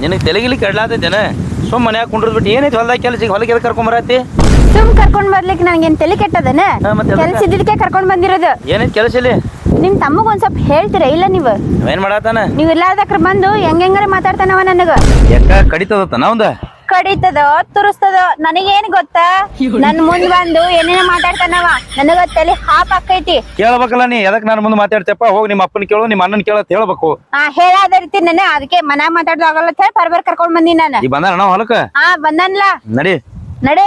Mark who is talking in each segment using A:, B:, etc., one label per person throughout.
A: ನಿನಗೆ ತೆಲಗಿಲಿ ಕೆಡ್ಲಾತೈತೇನ ಸುಮ್ ಮನ್ಯಾಗ ಕುಂಡ್ರದ್ ಬಿಟ್ಟು ಏನೈತಿ ಹೊಲ್ದಾಗ ಕೆಲಸ ಹೊಲಕ್ಕೆ ಎದಕ್ಕೆ ಕರ್ಕೊಂಬರತ್ತಿ
B: ಸುಮ್ ಕರ್ಕೊಂಡ್ ಬರ್ಲಿಕ್ಕೆ ನನ್ಗೇನ್ ತಲೆ ಕೆಟ್ಟದನ
A: ಮತ್ತೆ
B: ಕೆಲ್ಸ ಇದ್ದಕ್ಕೆ ಕರ್ಕೊಂಡ್ ಬಂದಿರೋದು
A: ಏನೈತಿ ಕೆಲಸ ಇಲ್ಲಿ
B: ನಿಮ್ ತಮ್ಮಗ್ ಒಂದ್ ಸ್ವಲ್ಪ ಹೇಳ್ತೀರಾ ಇಲ್ಲ ನೀವು
A: ಏನ್ ಮಾಡಾತಾನ
B: ನೀವ್ ಇಲ್ಲಾದಕ್ರ ಬಂದು ಹೆಂಗಾರ ಮಾತಾಡ್ತಾನವ ನನಗ
A: ಯಾಕ ಕಡಿತದತ್ತ ನಾವಂದ
B: ಕಡಿತದ ತುರಿಸ್ತದ ನನಗೇನ್ ಗೊತ್ತಾ ನನ್ ಮುಂದ್ ಬಂದು ಏನೇನ ಮಾತಾಡ್ತಾನವ ನನಗ ತಲೆ ಹಾಪ್ ಆಕೈತಿ
A: ಕೇಳ್ಬೇಕಲ್ಲ ನೀ ಎದಕ್ ನಾನು ಮುಂದೆ ಮಾತಾಡ್ತೇಪ್ಪ ಹೋಗಿ ನಿಮ್ಮ ಅಪ್ಪನ ಕೇಳು ನಿಮ್ಮ ಅಣ್ಣನ ಕೇಳತ್ ಹೇಳ್ಬೇಕು
B: ಹೇಳಾದ ರೀತಿ ನೆನೆ ಅದಕ್ಕೆ ಮನ್ಯಾಗ ಮಾತಾಡೋದು ಆಗಲ್ಲ ಅಂತ ಹೇಳಿ ಬರ್ಬರ್ ಕರ್ಕೊಂಡ್ ಬಂದಿ ನಾನು
A: ಈ ಬಂದಾನ ನಾವು ಹೊಲಕ್ಕ
B: ಬಂದನ್ಲ
A: ನಡಿ
B: ನಡೆ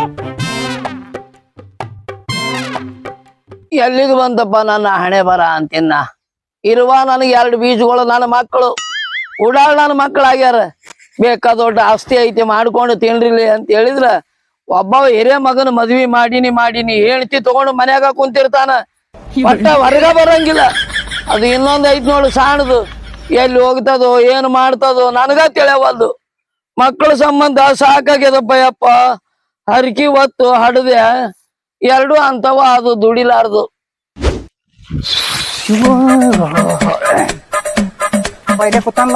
C: ಎಲ್ಲಿಗೆ ಬಂತಪ್ಪ ನನ್ನ ಹಣೆ ಬರ ಅಂತಿನ್ನ ಇರುವ ನನಗೆ 2 ಬೀಜಗಳು ನನ್ನ ಮಕ್ಕಳು ಉಡಾಳ್ ನನ್ನ ಮಕ್ಕಳಾಗ್ಯಾರ ಬೇಕಾದ ದೊಡ್ಡ ಆಸ್ತಿ ಐತಿ ಮಾಡ್ಕೊಂಡು ತಿನ್ರಿಲಿ ಅಂತ ಹೇಳಿದ್ರ ಒಬ್ಬ ಹಿರಿಯ ಮಗನ ಮದ್ವಿ ಮಾಡೀನಿ ಹೇಳ್ತಿ ತಗೊಂಡು ಮನ್ಯಾಗ ಕುಂತಿರ್ತಾನ ಒಟ್ಟ ಹೊರಗ ಬರಂಗಿಲ್ಲ ಅದು ಇನ್ನೊಂದ್ ಐತ್ ನೋಡು ಸಾಣದು ಎಲ್ಲಿ ಹೋಗ್ತದೋ ಏನ್ ಮಾಡ್ತದೋ ನನಗ ತಿಳಿಯವಲ್ದು ಮಕ್ಕಳ ಸಂಬಂಧ ಸಾಕಾಗ್ಯದಪ್ಪ ಯಪ್ಪ ಹರಕಿ ಹೊತ್ತು ಹಡದೆ 2 ಅಂತವ ಅದು ದುಡಿಲಾರ್ದು
D: ಕೂತಲ್ಲ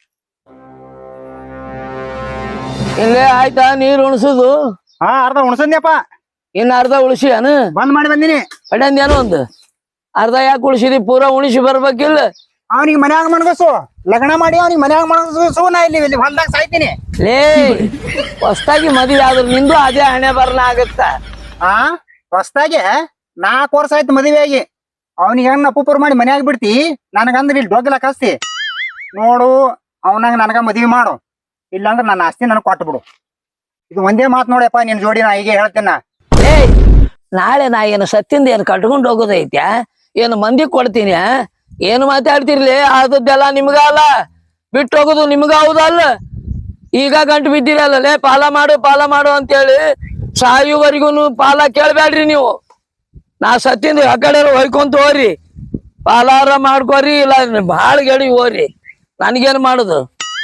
C: ಇಲ್ಲೇ ಆಯ್ತಾ ನೀರ್ ಉಣಸುದು
D: ಅರ್ಧ ಉಣಸದ್ನಪ್ಪ
C: ಇನ್ನ ಅರ್ಧ ಉಳಿಸಿ ಅನು
D: ಬಂದ್ ಮಾಡಿ ಬಂದಿನಿ
C: ಪಡ್ಯಂದೇನೋ ಒಂದು ಅರ್ಧ ಯಾಕೆ ಉಳಿಸಿದಿ ಪೂರಾ ಉಣಿಸಿ ಬರ್ಬೇಕಿಲ್ಲ
D: ಅವನಿಗೆ ಮನ್ಯಾಗ ಮಣಗಸು ಲಗ್ನ ಮಾಡಿ ಅವನಿಗೆ ಮನ್ಯಾಗ ಮಣಗಸು ನಾ ಇಲ್ಲಿ ಹೊಲ್ದಾಗ ಸಾಯ್ತೀನಿ
C: ಲೇ ಹೊಸ್ತಾಗಿ ಮದುವೆ ಆದ್ರು ನಿಂದು ಅದೇ ಹಣೆ ಬರ್ನ ಆಗತ್ತ
D: ಹೊಸ್ದಾಗೆ 4 ವರ್ಷ ಆಯ್ತು ಮದುವೆ ಆಗಿ ಅವನಿಗೆ ಹೆಂಗ್ ಅಪ್ಪುಪುರ್ ಮಾಡಿ ಮನ್ಯಾಗ ಬಿಡ್ತಿ ನನಗಂದ್ರೆ ಇಲ್ಲಿ ಡೊಗ್ಗಲ ಕಸ್ತಿ ನೋಡು ಅವನಾಗ ನನಗ ಮದ್ವಿ ಮಾಡು ಇಲ್ಲಾಂದ್ರೆ ನನ್ನ ಆಸ್ತಿ ನನಗೆ ಕೊಟ್ಟು ಬಿಡು ಇದು ಒಂದೇ ಮಾತು ನೋಡಪ್ಪ ನಿನ್ ಜೋಡಿ ನಾ ಹೀಗೆ ಹೇಳ್ತೇನ
C: ಲೇ ನಾಳೆ ನಾ ಏನು ಸತ್ತಿಂದ ಏನು ಕಟ್ಕೊಂಡು ಹೋಗೋದೈತ್ಯಾ ಏನು ಮಂದಿ ಕೊಡ್ತೀನಿ ಏನು ಮಾತಾಡ್ತಿರ್ಲಿ ಆದದ್ದೆಲ್ಲ ನಿಮ್ಗ ಅಲ್ಲ ಬಿಟ್ಟು ಹೋಗೋದು ನಿಮ್ಗ ಹೌದಲ್ಲ ಈಗ ಗಂಟು ಬಿದ್ದಿರಲ್ಲ ಲೇ ಪಾಲ ಮಾಡು ಅಂತೇಳಿ ಸಾಯುವರೆಗೂ ಪಾಲ ಕೇಳ್ಬೇಡ್ರಿ ನೀವು ನಾ ಸತ್ತಿಂದ ಆ ಕಡೆ ಹೊಯ್ಕೊಂತ ಹೋರಿ ಪಾಲಾರ ಮಾಡ್ಕೋರಿ ಇಲ್ಲ ಭಾಳ ಗೆಡಿ ಹೋರಿ ನನ್ಗೇನು ಮಾಡುದು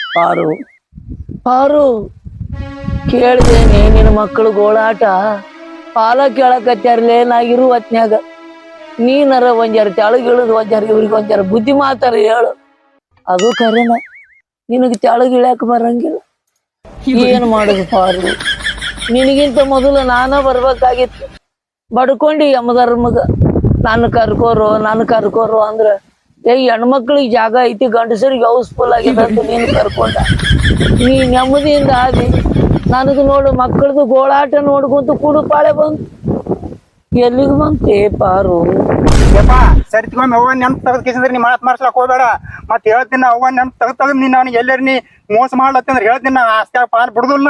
C: ಪಾರು ಕೇಳ್ದೇನೆ ನಿನ್ನ ಮಕ್ಕಳು ಗೋಳಾಟ ಪಾಲ ಕೇಳಕತ್ಯಾರ್ಲೇ ನಾಗಿರು ಹೊತ್ನ್ಯಾಗ ನೀನರ ಒಂಜಾರ ತೆಳಗಿಳಿದು ಒಂಜಾರ ಇವ್ರಿಗೆ ಒಂಜಾರ ಬುದ್ಧಿ ಮಾತಾರ ಹೇಳು ಅದು ಕರೆನ ನಿನಗೆ ತೆಳಗಿಳ್ಯಾಕ ಬರಂಗಿಲ್ಲ ಏನು ಮಾಡುದು ಪಾರು ನಿನಗಿಂತ ಮೊದಲು ನಾನ ಬರ್ಬೇಕಾಗಿತ್ತು ಬಡ್ಕೊಂಡಿ ಯಮಧರ್ಮಗ ನಾನು ಕರ್ಕೋರು ಅಂದ್ರ ಹೆಣ್ಮಕ್ಳಿಗೆ ಜಾಗ ಐತಿ ಗಂಡಸರಿಗೆ ಹೌಸ್ಫುಲ್ ಆಗಿದೆ ಅಂತ ನೀನು ಕರ್ಕೊಂಡ ನೀ ನೆಮ್ಮದಿಯಿಂದ ಆದಿ ನನಗೆ ನೋಡು ಮಕ್ಕಳದು ಗೋಳಾಟ ನೋಡ್ಕೊಂತ ಕುಡುಪಾಳೆ ಬಂತು ಎಲ್ಲಿಗೆ ಬಂತೆ ಪಾರು
D: ಸರಿತಿಗೊಮ್ಮೆ ಅವ್ವ ನೆನ್ಪ್ ತೆಗೆದ್ಕಿಸಿದ್ರೆ ನೀ ಮಾತ್ ಮಾಡ್ಸ್ಲಕ್ ಹೋಗ್ಬೇಡ ಮತ್ ಹೇಳ್ತೀನಿ ಅವ್ವ ನೆನ್ಪ್ ತೆಗದ್ ನೀನ್ ಅವ್ನಿಗೆ ಎಲ್ಲಾರ ನೀ ಮೋಸ ಮಾಡ್ಲತ್ತಂದ್ರೆ ಹೇಳ್ತೀನಿ ನಾ ಆಸ್ತಿ ಪಾಲ್ ಬಿಡುದಿಲ್ಲ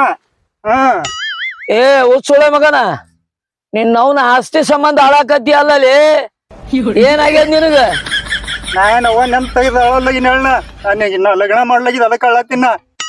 C: ಹುಚ್ಚುಳೆ ಮಗನ ನಿನ್ನವನ ಆಸ್ತಿ ಸಂಬಂಧ ಹಾಳಾಕತ್ತಿ ಅಲ್ಲಲೇ ಏನಾಗ್ಯದ ನಿನಗ
D: ನಾನು ಅವ್ವ ನೆನ್ಪ್ ತೆಗೆದ ಅವಳಗಿನ ಹೇಳ ಲಗ್ನ ಮಾಡ್ಲಾಗಿದ್ ಅದಕ್ಕೆ ಅಳ್ಳತ್ತಿನ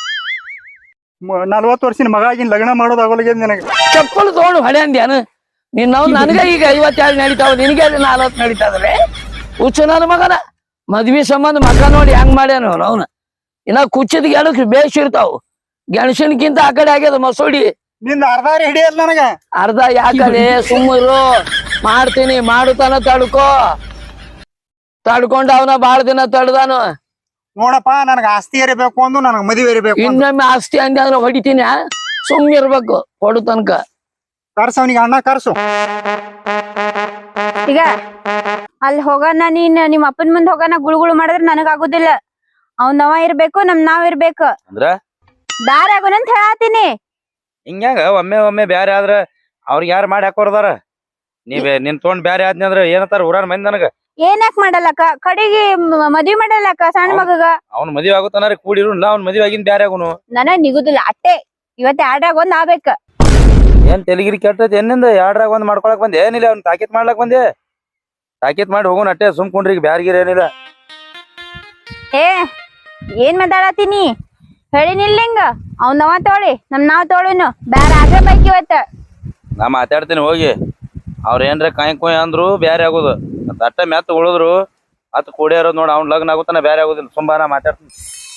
D: 40 ವರ್ಷದ ಮಗ ಆಗಿನ ಲಗ್ನ ಮಾಡೋದು ಆಗಲಾಗ್ಯದ ನಿನಗೆ
C: ಚಪ್ಪಲು ತಗೊಂಡು ಹೊಡೆ ಅಂದ್ಯಾನು ನಿನ್ನವ್ ನನಗ ಈಗ 52 ನಡೀತಾವ ನಿನಗೆ 40 ನಡೀತಾದ್ರೆ ಹುಚ್ಚು ನನ್ನ ಮಗನ ಮದ್ವಿ ಸಂಬಂಧ ಮಗ ನೋಡಿ ಹೆಂಗ್ ಮಾಡ್ಯಾನ ಅವನ ಇನ್ನ ಕುಚ್ಚಿದ ಗೆಣಸ್ ಬೇಸಿರ್ತಾವ ಗೆಣಸಿನಕ್ಕಿಂತ ಆ ಕಡೆ ಆಗ್ಯದ ಮಸೂಡಿ
D: ನಿಂದ ಅರ್ಧ ಹಿಡಿಯಲ್ಲ ನನಗ
C: ಅರ್ಧ ಯಾಕಡೆ ಸುಮ್ಮರು ಮಾಡ್ತೀನಿ ಮಾಡುತ್ತಾನ ತಡ್ಕೊಂಡ ಅವನ ಬಾಳ ದಿನ ತಡ್ದಾನು
D: ನೋಡಪ್ಪ ನನಗ ಆಸ್ತಿ ಇರಬೇಕು ಅಂದು ನನಗ ಮದುವೆ ಇರಬೇಕು
C: ಇನ್ನೊಮ್ಮೆ ಆಸ್ತಿ ಅಂದೆ ಅಂದ್ರೆ ಹೊಡಿತೀನಿ ಸುಮ್ಮನೆ ಇರ್ಬೇಕು ಕೊಡು ತನಕ
D: ಕರ್ಸು ಅವನಿಗೆ ಅಣ್ಣ ಕರ್ಸು
B: ಈಗ ಅಲ್ಲಿ ಹೋಗೋಣ ನಿಮ್ಮ ಅಪ್ಪನ ಮುಂದೆ ಹೋಗೋಣ ಗುಳುಗುಳು ಮಾಡಿದ್ರೆ ನನಗ ಆಗುದಿಲ್ಲ ಅವ್ನ್ ನಾವ ಇರ್ಬೇಕು ನಾವ್ ಇರ್ಬೇಕು
A: ಅಂದ್ರ
B: ದಾರ ಆಗೋಣ ಅಂತ ಹೇಳತ್ತೀನಿ
A: ಹಿಂಗ್ಯಾಂಗ ಒಮ್ಮೆ ಬ್ಯಾರೆ ಆದ್ರ ಅವ್ರಿಗೆ ಯಾರು ಮಾಡಿ ಹಾಕೋರ್ದಾರ ನಿನ್ ತೊಗೊಂಡ್ ಬ್ಯಾರೆ ಆದ್ನಿ ಅಂದ್ರ ಏನತ್ತಾರ ಊರಾನ ಮಂದಿ ನನಗ
B: ಏನಕ್ ಮಾಡಲ್ಲಕ್ಕ ಕಡೆಗೆ ಮದ್ವಿ ಮಾಡಲ್ಲಕ್ಕ ಸಣ್ಣ ಮಗಗ
A: ಅವ್ನ ಮದ್ವಿ ಆಗುತ್ತಾನ ಕೂಡಿರು ಅವ್ನ ಮದ್ವಿ ಆಗಿನ್ ಬ್ಯಾರೆ ಆಗುನು
B: ನನಗ್ ನಿಗುದಿಲ್ಲ ಅಟ್ಟೆ ಇವತ್ತೆ ಆಡ್ರಾಗ ಒಂದ್ ಆಗ್ಬೇಕ
A: ಏನ್ ತೆಲಿಗಿರಿ ಕೆಟ್ಟೈತಿ ಏನಿಂದ 2ರಾಗ ಒಂದ್ ಮಾಡ್ಕೊಳಕ್ ಬಂದೆ ಏನಿಲ್ಲ ಅವ್ನ ತಾಕೀತ್ ಮಾಡ್ಲಕ್ ಬಂದೆ ತಾಕೀತ್ ಮಾಡಿ ಹೋಗೋಣ ಅಟ್ಟೆ ಸುಮ್ಕೊಂಡ್ರಿ ಈಗ ಬ್ಯಾರ್ಗಿರ ಏನಿಲ್ಲ
B: ಏನ್ ಮಾತಾಡತೀನಿ ಹೇಳಿನಿಲ್ಲ ಹಿಂಗ ಅವ್ನ ನಾವ ತೋಳಿ ನಾವ್ ತೋಳಿನು ಬ್ಯಾರ ಆದ್ರೆ ಬೈಕ್ ಇವತ್ತ
A: ನಾ ಮಾತಾಡ್ತೀನಿ ಹೋಗಿ ಅವ್ರ ಏನ್ರ ಕಾಯಿ ಕೊಯ್ ಅಂದ್ರು ಬ್ಯಾರೆ ಆಗುದು ಅಟ್ಟ ಮೆತ್ತ ಉಳಿದ್ರು ಅತ್ ಕೂಡೇ ಇರೋದು ನೋಡ ಅವ್ನ ಲಗ್ನ ಆಗುತ್ತಾನ ಬ್ಯಾರೆ ಆಗುದಿಲ್ಲ ತುಂಬಾ ನಾ ಮಾತಾಡ್ತೀನಿ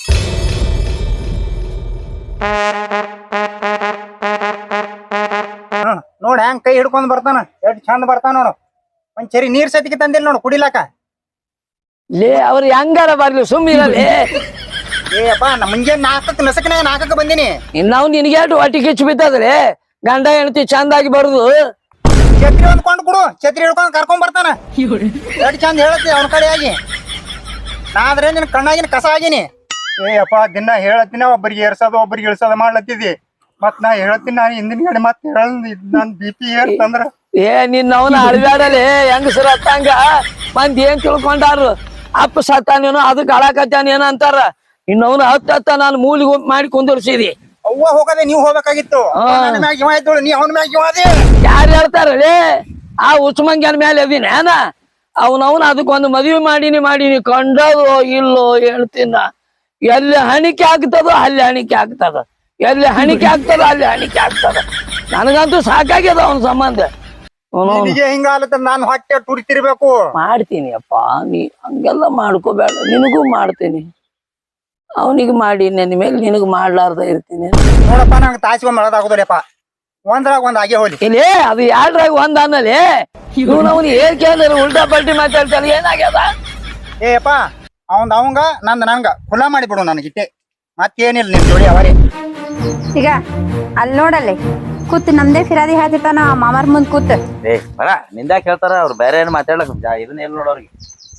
D: ನೋಡ ಹೆಂಗ್ ಕೈ ಹಿಡ್ಕೊಂಡ್ ಬರ್ತಾನ ಎಷ್ಟ್ ಚಂದ ಬರ್ತಾನ ನೋಡು ಒಂದ್ ಚರಿ ನೀರ್ ಸತಿಗೆ ತಂದಿಲ್ಲ ನೋಡು ಕುಡಿಲಾಕ
C: ಲೇ ಅವ್ರು ಹೆಂಗಾರ ಬರ್ಲಿ ಸುಮ್ಮಿರಲಿ
D: ಏಪ್ಪ ನಾ ಮುಂಜಾನೆ 4ಕ್ಕೆ ನಸಕನಾಗ 4ಕ್ಕೆ ಬಂದಿನಿ.
C: ಇನ್ನಾವ್ ನಿನಗೆ ಹೊಟ್ಟಿ ಕಿಚ್ಚು ಬಿತ್ತದ್ರಿ ಗಂಡ ಹೆಂಡತಿ ಚಂದಾಗಿ ಬರುದು.
D: ಛತ್ರಿ ಹೊಂದ್ಕೊಂಡು ಕೊಡು, ಛತ್ರಿ ಹಿಡ್ಕೊಂಡು ಕರ್ಕೊಂಡ್ ಬರ್ತಾನ. ಎಷ್ಟು ಚಂದ ಹೇಳತ್ತಿ ಅವನ ಕಡೆ ಆಗಿ. ನಾದ್ರೆ ನಿನ್ ಕಣ್ಣಾಗಿನ ಕಸ ಆಗಿನಿ. ಅಪ್ಪ ದಿನ ಹೇಳತ್ತೀನಿ, ಒಬ್ಬರಿಗೆ ಏರ್ಸೋದು ಒಬ್ಬರಿಗೆ ಇಳ್ಸೋದು ಮಾಡ್ಲತ್ತಿದ್ದಿ. ಮತ್ ನಾ ಹೇಳ್ತೀನಿ, ನಾನು ಹಿಂದಿನ ಕಡೆ ಮತ್ತೆ ನನ್ BP ಏರ್ತಂದ್ರ
C: ನಿನ್ನ ಅವನ ಅಳಬ್ಯಾಡಲೆ ಹೆಂಗಸರ ಹತ್ತಂಗ ಮಂದಿ ಏನ್ ತಿಳ್ಕೊಂಡಾರು. ಅಪ್ಪ ಸತ್ತಾನೇನೋ ಅದಕ್ಕೆ ಅಳಾಕತ್ತಾನೇನೋ ಅಂತಾರ. ಇನ್ನವನು ಹತ್ತ ನಾನು ಮೂಲಿಗೆ ಮಾಡಿ ಕುಂದರ್ಸಿದಿ.
D: ಅವ್ವ ಹೋಗದೆ ನೀವ್ ಹೋಗ್ಬೇಕಾಗಿತ್ತು. ನನ್ನ ಮ್ಯಾಗ ಇವ ಇದ್ದೋಳು, ನೀ ಅವನ ಮ್ಯಾಗ ಇವ ಅದೇ.
C: ಯಾರು ಹೇಳ್ತಾರಲೇ ಆ ಉಸ್ಮಂಗ್ಯನ ಮೇಲೆ ಅದಿನೇನ? ಅವನವನ್ ಅದಕ್ಕೊಂದು ಮದುವೆ ಮಾಡೀನಿ ಕಂಡದೋ ಇಲ್ಲೋ ಹೇಳ್ತೀನ. ಎಲ್ಲಿ ಹಣಿಕೆ ಆಗ್ತದೋ ಅಲ್ಲಿ ಹಣಿಕೆ ಆಗ್ತದ, ಎಲ್ಲಿ ಹಣಿಕೆ ಆಗ್ತದೋ ಅಲ್ಲಿ ಹಣಿಕೆ ಆಗ್ತದ. ನನಗಂತೂ ಸಾಕಾಗ್ಯದ ಅವನ ಸಂಬಂಧ.
D: ನಿನಗೆ ಹಿಂಗಾಲತ್ತ ನಾನು ಹೊಟ್ಟೆ ತುರಿತಿರ್ಬೇಕು.
C: ಮಾಡ್ತೀನಿ ಅಪ್ಪ, ನೀ ಹಂಗೆಲ್ಲ ಮಾಡ್ಕೋಬೇಡ. ನಿನಗೂ ಮಾಡ್ತೀನಿ, ಅವನಿಗೆ ಮಾಡಿ ನನ್ನ ಮೇಲೆ ನಿನಗ್ ಮಾಡ್ಲಾರ್ದ ಇರ್ತೀನಿ.
D: ನೋಡಪ್ಪ ನಂಗೆ ತಾಸಿಗೆ ಮಾಡೋದಾಗುದಿಲ್ಲಪ್ಪ. ಒಂದ್ರಾಗ ಒಂದ್ ಆಗೇ ಹೋಲಿ.
C: ಇಲ್ಲಿ ಅದು ಎರಡ್ರಾಗ ಒಂದ್ ಅನ್ನಲಿ. ಇವ್ನು ಅವ್ನು ಏನ್ ಕೇಳಿದ್ರೆ ಉಲ್ಟಾ ಪಲ್ಟಿ ಮಾತಾಡ್ತಾನೆ. ಏನಾಗ್ಯದ?
D: ಏಪ್ಪ ಅವಂಗ ನಂಗ ಖುಲಾ ಮಾಡಿಬಿಡು ನನಗಿಟ್ಟೆ. ಮತ್ತೇನಿಲ್ಲ ನಿನ್ ಜೋಡಿ ಅವರೇ.
B: ಈಗ ಅಲ್ಲಿ ನೋಡಲ್ಲಿ ಕೂತ್ ನಮ್ದೇ ಫಿರಾದಿ ಹೇಳ್ತಿರ್ತಾನ ಮಾಮಾರ್ ಮುಂದ್ ಕೂತ್.
A: ಏ ಬರ ನಿಂದಾಕ್ ಹೇಳ್ತಾರ ಅವ್ರು ಬೇರೆ ಏನ್ ಮಾತಾಡ್ಲಕ್ ಇದನ್ನ ಎಲ್ಲಿ ನೋಡೋರ್ಗೆ.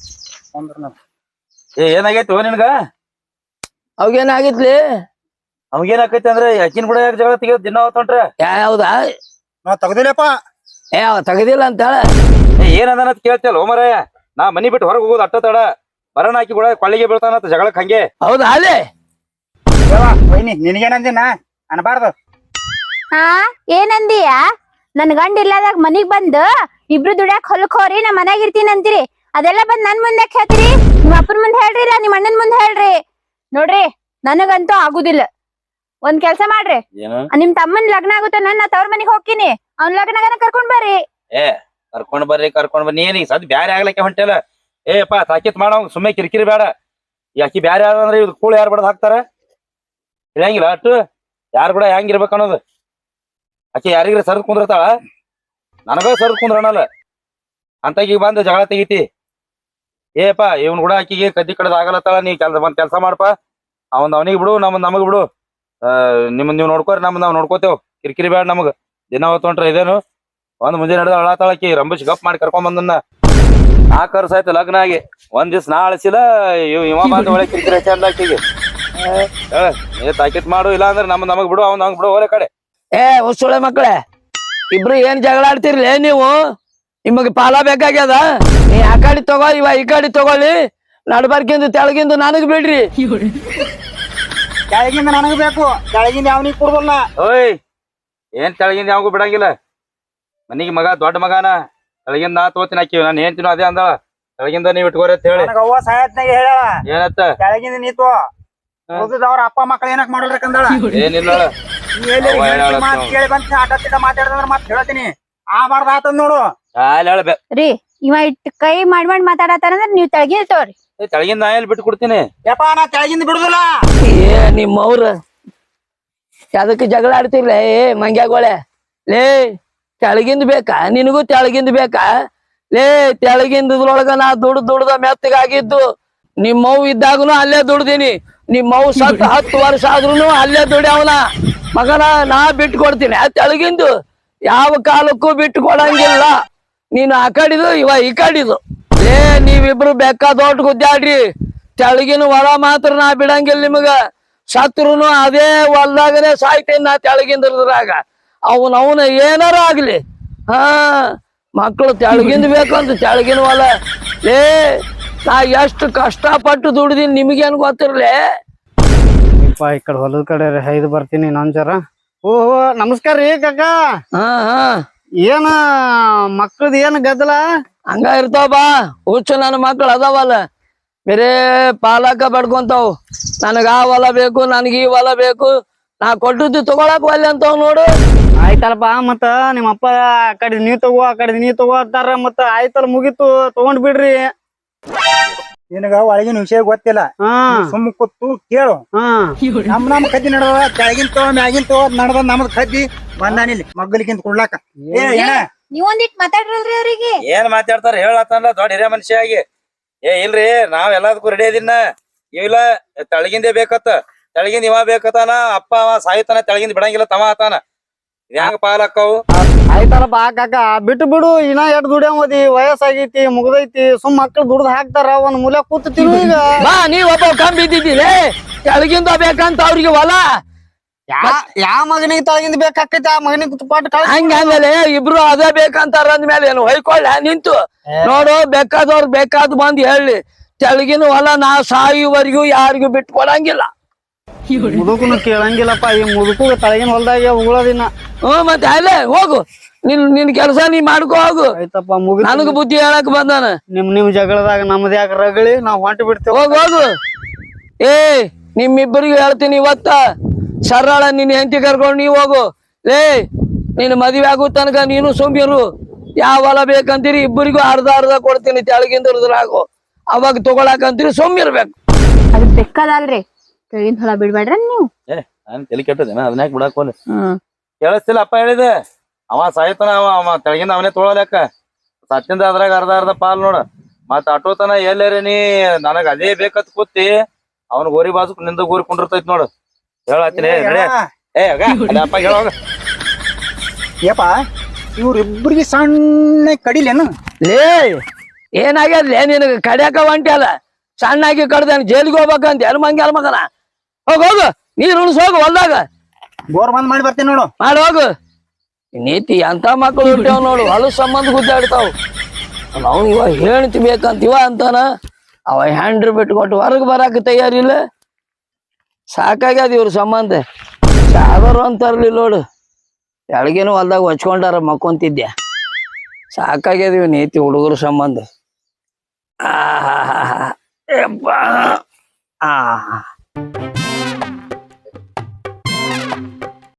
A: ಏನಾಗೈತಿ ನಿನ್ಗ?
C: ಅವಾಗೇನಾಗಿತ್ಲಿ?
A: ಅವಾಗೇನಾಕೈತಿ ಅಂದ್ರೆ ಅಕ್ಕಿನ ಕೂಡ ಯಾಕೆ ಜಗಳ ತೆಗಿಯೋದು ದಿನ ಹೊತ್ತೊಂಟ್ರೆ?
C: ಯಾವ್ದಾ?
D: ನಾವ್ ತಗದಿಲ್ಲಪ್ಪ.
C: ಅವ ತೆಗದಿಲ್ಲ ಅಂತ ಹೇಳ.
A: ಏನದ ಕೇಳ್ತಿಯಲ್ಲ ಓಮರಯ್ಯ. ನಾ ಮನಿ ಬಿಟ್ಟು ಹೊರಗೆ ಹೋಗೋದು ಅಟ್ಟ ತಡ. ಬರೋಣ ಆಕಿ ಕೂಡ ಕೊಳ್ಳಿಗೆ ಬೀಳ್ತಾನತ್ತ ಜಗಳಕ್ ಹಂಗೆ.
C: ಹೌದಾ? ಅಲ್ಲೇ
D: ವೈನಿ ನಿನಗೇನಂದಿನ ಅನ್ಬಾರ್ದು.
B: ಹಾ ಏನಂದಿಯ? ನನ್ ಗಂಡ ಇಲ್ಲದಾಗ ಮನಿಗ್ ಬಂದು ಇಬ್ರು ದುಡ್ಯಾಕ್ ಹೊಲಕ್ ಹೋರಿ ನಾ ಮನ್ಯಾಗ ಇರ್ತೀನಿ ಅಂತೀರಿ. ಅದೆಲ್ಲ ಬಂದ್ ನನ್ ಮುಂದೆ ಹೇಳ್ತೀರಿ. ನಿಮ್ ಅಪ್ಪನ ಮುಂದೆ ಹೇಳ್ರಿ, ಇಲ್ಲ ನಿಮ್ ಅಣ್ಣನ್ ಮುಂದೆ ಹೇಳ್ರಿ. ನೋಡ್ರಿ ನನಗಂತೂ ಆಗುದಿಲ್ಲ. ಒಂದ್ ಕೆಲ್ಸ ಮಾಡ್ರಿ, ನಿಮ್ ತಮ್ಮನ್ ಲಗ್ನ ಆಗುತ್ತ ನಾ ತವ್ರ ಮನಿಗ್ ಹೋಗ್ತೀನಿ. ಅವ್ನ ಲಗ್ನಗನ ಕರ್ಕೊಂಡ್ ಬರ್ರಿ.
A: ಕರ್ಕೊಂಡ್ ಬರ್ರಿ ನೀನ್ ಸದ್ ಬ್ಯಾರೆ ಆಗ್ಲಕ್ಕೆ ಹೊಂಟಲ್ಲ. ಏಪ್ಪ ತಾಕಿತ್ ಮಾಡ ಸುಮ್ಮನೆ ಕಿರಿಕಿರಿ ಬೇಡ. ಈ ಅಕ್ಕಿ ಬ್ಯಾರೆ ಆದ್ರೆ ಇವ್ ಕೂಳು ಯಾರು ಬಡದ್ ಹಾಕ್ತಾರ? ಇರಂಗಿಲ್ಲ ಅಟ್ಟು ಯಾರು ಕೂಡ ಹೆಂಗಿರ್ಬೇಕು ಅನ್ನೋದು. ಆಕಿ ಯಾರಿಗ್ರಿ ಸರ್ದ್ ಕುಂದಿರ್ತಾಳ, ನನಗ ಸರ್ದ್ ಕುಂದ್ರನಲ್ಲ ಅಂತಕೀಗ ಬಂದು ಜಗಳ ತೆಗಿತಿ. ಏಪಾ ಇವ್ನ ಕೂಡ ಆಕಿಗೆ ಕದ್ದಿ ಕಡದ್ ಆಗಲತ್ತಾಳ. ನೀ ಕೆಲ್ಸ ಮಾಡಪ್ಪ. ಅವನಿಗೆ ಬಿಡು, ನಮಗ್ ಬಿಡು. ನಿಮ್ಮನ್ ನೀವ್ ನೋಡ್ಕೋರಿ, ನಾವ್ ನೋಡ್ಕೋತೇವ್. ಕಿರಿಕಿರಿ ಬೇಡ ನಮಗ್. ದಿನ ಹೊತ್ತೊಂಟ್ರ ಇದೇನು ಒಂದ್ ಮುಂಜಾನೆ ನಡೆದ ಅಳಾತಾಳಕಿ ರಂಬಿಸ್ ಗಪ್ ಮಾಡಿ ಕರ್ಕೊಂಡ್ ಬಂದನ್ನ. 4 ವರ್ಷ ಆಯ್ತು ಲಗ್ನ ಆಗಿ, ಒಂದ್ ದಿವ್ಸ ನಾ ಅಳಿಸಿಲ್ಲ. ಇವ ಬಂದ ಒಳ್ಳೆ ಕಿರಿಕಿರಿ ಚಂದ ಆಕಿಗೆ. ತಾಕಿತ್ ಮಾಡು, ಇಲ್ಲ ಅಂದ್ರೆ ನಮಗ್ ಬಿಡು, ಅವ್ನ್ ಬಿಡು ಹೋರೆ ಕಡೆ.
C: ಹೊಸೊಳೆ ಮಕ್ಕಳೇ, ಇಬ್ರು ಏನ್ ಜಗಳ ಆಡ್ತಿರ್ಲಿ ನೀವು? ನಿಮಗ್ ಪಾಲ ಬೇಕಾಗ್ಯದ? ನೀ ಆ ಕಡೆ ತಗೋ, ಇವ ಈ ಕಡೆ ತಗೊಳ್ಳಿ. ನಡ್ಬರ್ಕಿಂದು ತೆಳಗಿಂದು ನನಗ್ ಬಿಡ್ರಿ.
D: ಕೆಳಗಿಂದ ನನಗ್ ಬೇಕು, ಕೆಳಗಿಂದ ಅವನಿಗೆ ಕೊಡುದಲ್ಲ.
A: ಓಯ್ ಏನ್ ತೆಳಗಿಂದ ಯಾವಾಗೂ ಬಿಡಂಗಿಲ್ಲ. ಮನಿಗೆ ಮಗ ದೊಡ್ಡ ಮಗನ, ತೆಳಗಿಂದ ನಾ ತೋತಿನ ಹಾಕಿವಿ. ನಾನು ಏನ್ ತಿನ್ನೋ ಅದೇ ಅಂದಳ. ತೆಳಗಿಂದ ನೀವ್ ಇಟ್ಕೋರಿ ಅಂತ ಹೇಳಿ
D: ಅವ್ವ ಸಾಯತ್ನಾಗ ಹೇಳ
A: ಏನತ್ತ
D: ಕೆಳಗಿಂದ ನೀತು ಅವ್ರ ಅಪ್ಪ ಮಕ್ಳು ಏನಕ್ ಮಾಡಲ್ರಕಂದಳ.
A: ಏನಿಲ್ಲ
D: ಮಾತ್ ಕೇಳಿ ಬಂತ ಆಟ ಮಾತಾಡಿದ್ರ ಮತ್ ಹೇಳ್ತೀನಿ. ಬಾರ್ದ ಆತದ್ ನೋಡು.
B: ರೀ ಇವ ಇಟ್ ಕೈ ಮಾಡ್ ಮಾತಾಡತಾರಂದ್ರ ನೀವ್ ತೆಳಗಿನ ತೋರಿ.
A: ತೆಳಗಿಂದ ನಾ ಎಲ್ಲಿ ಬಿಟ್ಟು ಕೊಡ್ತೀನಿ.
D: ಯಪ್ಪ ನಾ ಕೆಳಗಿಂದ ಬಿಡುದಿಲ್ಲ.
C: ನಿಮ್ಮವ್ರ ಅದಕ್ಕೆ ಜಗಳ ಆಡ್ತಿರ್ಲ? ಮಂಗ್ಯಾಗೋಳೆ ಲೇ, ತೆಳಗಿಂದ ಬೇಕಾ ನಿನಗೂ? ತೆಳಗಿಂದ ಬೇಕಾ? ಲೇ ತೆಳಗಿಂದೊಳಗ ನಾ ದುಡ್ದ ಮೆತ್ತಗಾಗಿದ್ದು. ನಿಮ್ಮವ್ ಇದ್ದಾಗನು ಅಲ್ಲೇ ದುಡ್ದೀನಿ. ನಿಮ್ಮವ್ ಸತ್ 10 ವರ್ಷ ಆದ್ರೂ ಅಲ್ಲೇ ದುಡ್ಯಾವನ ಮಗನ. ನಾ ಬಿಟ್ಟು ಕೊಡ್ತೀನಿ. ತೆಳಗಿಂದು ಯಾವ ಕಾಲಕ್ಕೂ ಬಿಟ್ಟು ಕೊಡಂಗಿಲ್ಲ. ನೀನು ಆ ಕಡಿದು ಇವ ಈ ಕಡಿದು. ಲೇ ನೀವಿಬ್ರು ಬೇಕಾದೊಟ್ಟು ಗುದ್ದಾಡ್ರಿ. ತೆಳಗಿನ ಹೊಲ ಮಾತ್ರ ನಾ ಬಿಡಂಗಿಲ್ಲ ನಿಮಗ. ಸತ್ರುನು ಅದೇ ಹೊಲ್ದಾಗನೆ ಸಾಯ್ತೇನೆ ನಾ ತೆಳಗಿಂದ್ರಾಗ. ಅವನ ಏನಾರ ಆಗ್ಲಿ. ಮಕ್ಕಳು ತೆಳಗಿಂದ ಬೇಕಂತ ತೆಳಗಿನ ಹೊಲ. ಲೇ ನಾ ಎಷ್ಟು ಕಷ್ಟಪಟ್ಟು ದುಡ್ದೀನಿ ನಿಮಗೇನು ಗೊತ್ತಿರ್ಲಿ?
E: ಈ ಕಡೆ ಹೊಲದ ಕಡೆ ಐದು ಬರ್ತೀನಿ ನಾನ್ ಜರ. ಓಹೋ ನಮಸ್ಕಾರ ರೀ ಕಾಕ. ಏನ ಮಕ್ಕಳದ ಏನ್ ಗದ್ದಲ?
C: ಹಂಗ ಇರ್ತಾವ ಬಾ ಹುಚ್ಚು. ನನ್ನ ಮಕ್ಳು ಅದಾವಲ್ಲ ಬೇರೆ ಪಾಲಕ ಬಡ್ಕೊಂತಾವ್. ನನಗ ಆ ಹೊಲ ಬೇಕು, ನನಗ ಈ ಹೊಲ ಬೇಕು. ನಾ ಕೊಟ್ಟದ್ದು ತಗೊಳಕ್ ಒಲ್ಲೆ ಅಂತಾವ್ ನೋಡು.
E: ಆಯ್ತಲ್ಪ, ಮತ್ತ ನಿಮ್ಮಪ್ಪ ಆ ಕಡೆ ನೀವ್ ತಗೋ ಆ ಕಡೆ ನೀವ್ ತಗೋ ಅಂತಾರ. ಮತ್ತ ಆಯ್ತಲ್ಲ ಮುಗೀತು, ತಗೊಂಡ್ ಬಿಡ್ರಿ.
D: ನಿನಗ ಒಳಗಿನ ವಿಷಯ ಗೊತ್ತಿಲ್ಲ. ಸುಮ್ ಕೂತು ಕೇಳು. ನಮ್ ಕದ್ದಿ ನಡದ ಕೆಳಗಿನ ತಗೋ ಮ್ಯಾಗಿನ ತಗೋ ನಡದ ನಮ್ದ್ ಕದ್ದಿ ಬಂದಾನಿಲ್ಲಿ ಮಗ್ಗಲಿಕ್ಕಿಂತ ಕೊಡ್ಲಾಕ.
B: ನೀವೊಂದಿಟ್ ಮಾತಾಡ್ರಲ್ರಿ ಅವ್ರಿಗೆ.
A: ಏನ್ ಮಾತಾಡ್ತಾರ ಹೇಳತ್ತಲ್ಲ ದೊಡ್ಡ ಹಿರಿಯ ಮನುಷ್ಯ ಆಗಿ. ಇಲ್ರಿ ನಾವ್ ಎಲ್ಲದಕ್ಕೂ ರೆಡಿ ಅದೀನ. ಇಲ್ಲ ತೆಳಗಿಂದೇ ಬೇಕತ್ತ ತೆಳಗಿಂದ ಇವ ಬೇಕತ್ತಾನ ಅಪ್ಪ ಅವ ಸಾಯ್ತಾನ ತೆಳಗಿಂದ ಬಿಡಂಗಿಲ್ಲ ತವ ಆತಾನ ಹೆಂಗ ಪಾಲಕ್ಕವು
E: ಆಯ್ತಲ್ಲಪ್ಪ ಕಾಕ ಬಿಟ್ಟು ಬಿಡು ಇನ್ನ ಎಷ್ಟ್ ದುಡಿಯೋದಿ ವಯಸ್ಸಾಗೈತಿ ಮುಗ್ದೈತಿ ಸುಮ್ ಮಕ್ಳು ದುಡ್ದು ಹಾಕ್ತಾರ ಒಂದ್ ಮೂಲೆ ಕೂತಿರ್ತೀವಿ ಈಗ
C: ಬಾ ನೀವ್ ಒಬ್ಬ ಕಮ್ಮಿ ಇದ್ದಿದ್ದೀರಿ ಕೆಳಗಿಂದ ಬೇಕಂತ ಅವ್ರಿಗೆ ಹೊಲ
E: ಯಾ ಮಗನಿಗೆ ತಳಗಿಂದ ಬೇಕಾಕೈತಿ ಆ ಮಗನಿಗೆ ತುಪಾಟ್
C: ಹಂಗಂದ್ರೆ ಇಬ್ರು ಅದೇ ಬೇಕಂತಾರ ಅಂದ್ಮೇಲೆ ಏನು ಹೊಯ್ಕೊಳ್ಳ ನಿಂತು ನೋಡು ಬೇಕಾದವ್ರು ಬೇಕಾದ್ ಬಂದ್ ಹೇಳಿ ತೆಳಗಿನ ಹೊಲ ನಾ ಸಾಯುವರೆಗೂ ಯಾರಿಗೂ ಬಿಟ್ಟು ಕೊಡಂಗಿಲ್ಲ
E: ಮುದುಕನು ಕೇಳಂಗಿಲ್ಲಪ್ಪ ಈ ಮುದುಕು ತಳಗಿನ ಹೊಲ್ದಾಗ ಉಗುಳೋದಿನ
C: ಮತ್ತೆ ಅಲ್ಲೇ ಹೋಗು ನಿನ್ ಕೆಲಸ ನೀ ಮಾಡ್ಕೋ ಹೋಗು
E: ಆಯ್ತಪ್ಪ ಮುಗಿ
C: ನನಗ ಬುದ್ಧಿ ಹೇಳಕ್ ಬಂದಾನ
E: ನಿಮ್ ಜಗಳದಾಗ ನಮ್ದು ಯಾಕೆ ರಗಳಿ ನಾವ್ ಹೊಂಟು ಬಿಡ್ತೇವೆ
C: ಹೋಗು ಏ ನಿಮ್ಮಿಬ್ಬರಿಗೂ ಹೇಳ್ತೀನಿ ಇವತ್ತ ಸರಳ ನಿನ್ ಹೆಂಡತಿ ಕರ್ಕೊಂಡು ನೀವ್ ಹೋಗು ಲೇ ನೀನ್ ಮದ್ವೆ ಆಗೋ ತನಕ ನೀನು ಸುಮ್ಮಿರು ಯಾವ ಹೊಲ ಬೇಕಂತೀರಿ ಇಬ್ಬರಿಗೂ ಅರ್ಧ ಕೊಡ್ತೀನಿ ತೆಳಗಿಂದ ಇರ್ದ್ರಾಗು ಅವಾಗ ತಗೊಳಕಂತೀರಿ ಸುಮ್ಮಿರ್ಬೇಕು
B: ಅದ್ ಬೆಕ್ಕದಲ್ರಿ ಕೆಳಗಿನ ಹೊಲ ಬಿಡ್ಬೇಡ್ರ ನೀವು
A: ನಾನ್ ತಲೆ ಕೆಟ್ಟದೇನ ಅದನ್ಯಾಕ ಬಿಡಾಕ್ ಹೋಗ್ಲಿ ಕೇಳಿಸ್ತಿಲ್ಲ ಅಪ್ಪ ಹೇಳಿದೆ ಅವ ಸಾಯ್ತಾನ ಅವ ತೆಳಗಿಂದ ಅವನೇ ತೊಗೊಳಕ ಸತ್ತಿಂದ ಅದ್ರಾಗ ಅರ್ಧ ಪಾಲ್ ನೋಡ ಮತ್ ಅಟೋತನ ಎಲ್ಲೇರಿ ನೀ ನನಗ ಅದೇ ಬೇಕತ್ ಕೂತಿ ಅವನ ಗೋರಿ ಬಾಜು ನಿಂದ ಗೋರಿ ಕುಂಡಿರ್ತೈತಿ ನೋಡು ಹೇಳತ್ತೀನಿ ಅಪ್ಪ ಹೇಳೋಗ
D: ಯಪ್ಪ ಇವ್ರಿಬ್ರಿಗೆ ಸಣ್ಣ ಕಡಿಲೇನು
C: ಲೇ ಏನಾಗ್ಯದ್ಲೇ ನಿನಗ ಕಡ್ಯಾಕ ಹೊಂಟಲ್ಲ ಸಣ್ಣಾಗಿ ಕಡ್ದಾನ ಜೈಲಿಗೆ ಹೋಗ್ಬೇಕಂತ ಎಲ್ ಮಂಗ್ಯಾಲ ಮಗನ ಹೋಗು ನೀರ್ ಉಣಿಸೋಗು ಹೊಲ್ದಾಗ
D: ಬೋರ್ ಬಂದ್ ಮಾಡಿ ಬರ್ತೀನಿ ನೋಡು
C: ಮಾಡಿ ಹೋಗು ನೀತಿ ಎಂತ ಮಕ್ಕಳು ಹುಟ್ಟ್ಯಾವ ನೋಡು ಹೊಲ ಸಂಬಂಧ ಗುದ್ದಾಡ್ತಾವ ನಾವು ಇವ ಹೇಳ್ತಿ ಬೇಕಂತ ಇವ ಅಂತಾನ ಅವ ಹ್ಯಾಂಡ್ರ್ ಬಿಟ್ಕೊಟ್ಟು ಹೊರಗೆ ಬರಾಕ ತಯಾರಿಲ್ಲ ಸಾಕಾಗ್ಯದ ಇವ್ರ ಸಂಬಂಧ ಸಾಗರು ಅಂತಾರಲಿಲ್ಲ ನೋಡು ಎಳಗೇನು ಹೊಲ್ದಾಗ ಹೊಚ್ಕೊಂಡಾರ ಮಕ್ಕೊಂತಿದ್ದೆ ಸಾಕಾಗ್ಯದ ಇವ್ ನೀತಿ ಹುಡುಗರ ಸಂಬಂಧ ಆ